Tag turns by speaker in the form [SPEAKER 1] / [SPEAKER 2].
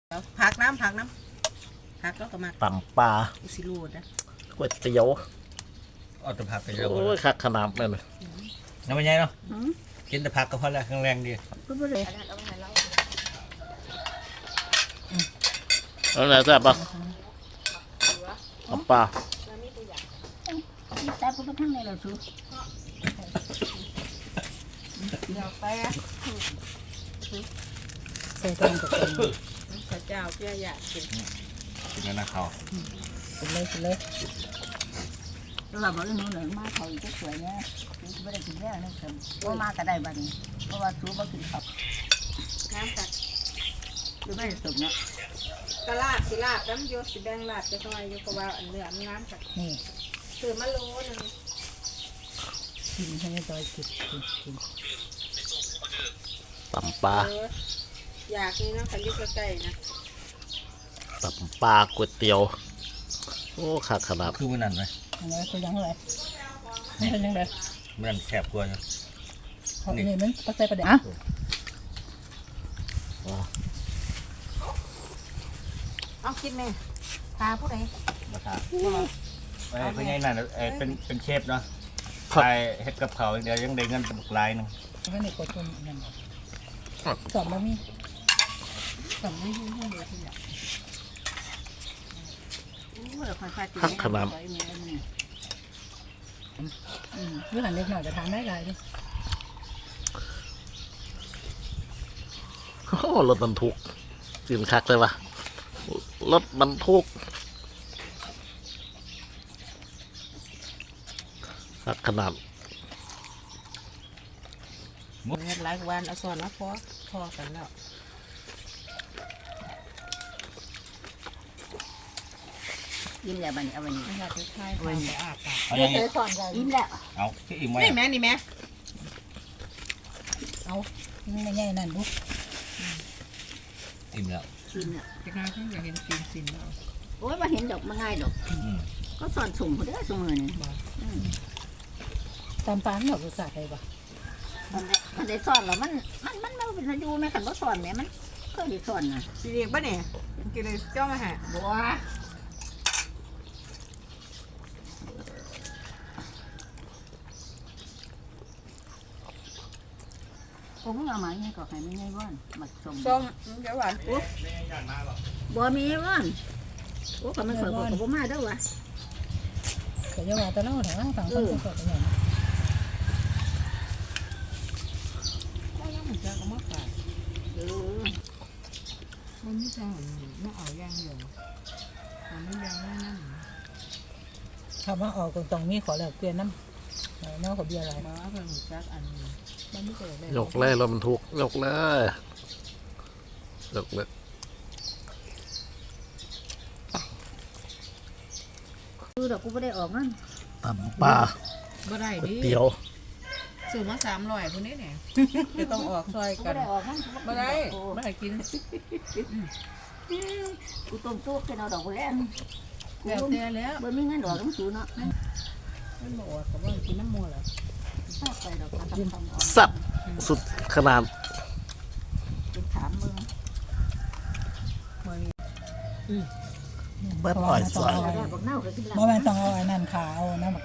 [SPEAKER 1] ผักน้ำผักแล้วก็มา
[SPEAKER 2] ตำปลา
[SPEAKER 1] สิรูดนะ
[SPEAKER 2] ก๋วยเตี๋ยว
[SPEAKER 3] เอาแต่ผักไปเยอะ
[SPEAKER 2] โอ้ยคักขนาดนั้นเลย
[SPEAKER 3] น้ำมันใหญ่เนาะกินแต่ผักก็พอแล้วแรงดี
[SPEAKER 2] แล้วไหนแซ่บปะตำปลา
[SPEAKER 4] แต่พวกทั้งในเราสู
[SPEAKER 1] เดี๋ยวไป
[SPEAKER 4] ใส่ตรงกับตรง
[SPEAKER 1] พระเจ้าเพื่ออยากกิน
[SPEAKER 3] กินแล้วนะเขา
[SPEAKER 4] กินเลยแล้วเราบอกเรื่องนู้นเลยมาเขาอีกสวยเนี่ยไม่ได้กินแล้วนะครับว่ามาก็ได้บ้านี้เพราะว่าสูบกินขับ
[SPEAKER 1] น้ำกัด
[SPEAKER 4] หรือไม่สมเนาะ
[SPEAKER 1] กะลาบสิลาบน้ำโยสิแดงลาบจะทำไมโยกว่าอันเนื้อน้ำกัด
[SPEAKER 4] นี่
[SPEAKER 1] คือมะโลนึง
[SPEAKER 4] กินให้จอยกิน
[SPEAKER 2] ตำปลา
[SPEAKER 1] อยากนี่นะขันยุกใกล้ๆนะ
[SPEAKER 2] ตำปลาก๋วยเตี๋ยวโอ้คักขนาด
[SPEAKER 3] คือมันนั่นไหม
[SPEAKER 4] อะไรก็ยังไรไม่เป็นยังไง
[SPEAKER 3] มันแสบกว่าอยู่
[SPEAKER 4] เขาเนี่ยมันปักใจประเดี๋ยว
[SPEAKER 1] เอาคิดไหมตาผู้ใด
[SPEAKER 3] ราคาเป็นไงนั่นเป็นเชฟเนาะใช่เฮ็ดกับเขาเดี๋ยวยังได้เงินเป็นหลายนึง
[SPEAKER 4] ก็นี่กดคนนั่นสอบแล้วมีสอบไม่ยุ่งเลยทีเดียว
[SPEAKER 2] คักขนาด
[SPEAKER 4] เรื่องหันเล็กหน่อยจะทานได้ไงดิ
[SPEAKER 2] โอ้รถบรรทุกกินคักเลยวะรถบรรทุกคักขนาด
[SPEAKER 1] เงินหลายวันเอาส่วนแล้วพอกันแล้ว
[SPEAKER 4] ยิ้มแล้วบันนี้เอาบันนี้
[SPEAKER 1] ไม่อยากจะใช้ไปอาบปาก
[SPEAKER 4] เดี๋ยวสอนกันยิ้มแล้ว
[SPEAKER 3] เอาที่อิ่มไว้
[SPEAKER 1] นี่แม่นี่แม่
[SPEAKER 4] เอาไม่ง่ายนั่นบุ๊ก
[SPEAKER 3] อิ่มแล้ว
[SPEAKER 4] ชิมเนี่ย
[SPEAKER 1] จะง่ายที่อยากเห็นปีนสินแล้ว
[SPEAKER 4] โอ้ยมาเห็นดอกมาง่ายดอกก็สอนสุ่มเขาได้สมือนี่ตามปานดอกภาษาไทยปะมันได้สอนแล้วมันไม่เป็นอายุแม่ขันก็สอนแม่มันก็ได้สอนนะ
[SPEAKER 1] สิเรียกป่ะเนี่ยกินเลยเจ้ามาหา
[SPEAKER 4] บัวผมเอามาเนี่ยก็ให้ไม่ง่ายว่านหมักส้ม
[SPEAKER 1] เดี๋ยวหวานปุ๊บ
[SPEAKER 4] บัวมีว่านโอ้ก็มันเปิดบัวมาด้วยวะเดี๋ยวว่าแต่เราถามฟังคนก็เป็นอย่าง
[SPEAKER 1] จะเอามาขายมันไม่ใช่ไม่เอาย่างเดียวมันไม่ย่างนั่น
[SPEAKER 4] คำว่าออกตรงนี้ขอแล้วเปลี่ยนน้ำน้องขอเบียร์อะไร
[SPEAKER 1] มาเป็นจักอันมันไม่เกิดเลย
[SPEAKER 2] ยกเลยรถบรรทุกยกเลย
[SPEAKER 4] คือเดี๋ยวกูไม่ได้ออกนั่น
[SPEAKER 2] ตำปลา
[SPEAKER 1] บ่ได้ดิ
[SPEAKER 2] เตี๋ยว
[SPEAKER 1] ซื้อมา300คนนี้เนี่ยจะต้องออกซอยกันบ่ได้บ่ได้กิน
[SPEAKER 4] กูต้มตุ๊กเป็นเอาดอกแรง
[SPEAKER 1] แล้วแต่แล้ว
[SPEAKER 4] บ่มีเงินดอกต้องซื้อเนาะ
[SPEAKER 1] มันบ่ออกกับว่ากินน้ำมัวแล้ว
[SPEAKER 2] สับสุดขนาด
[SPEAKER 4] ถามมึง
[SPEAKER 2] เบิ้ลอ่อยสวย
[SPEAKER 4] เมื่อวานต้องเอาไอ้นั่นขาวน้ำ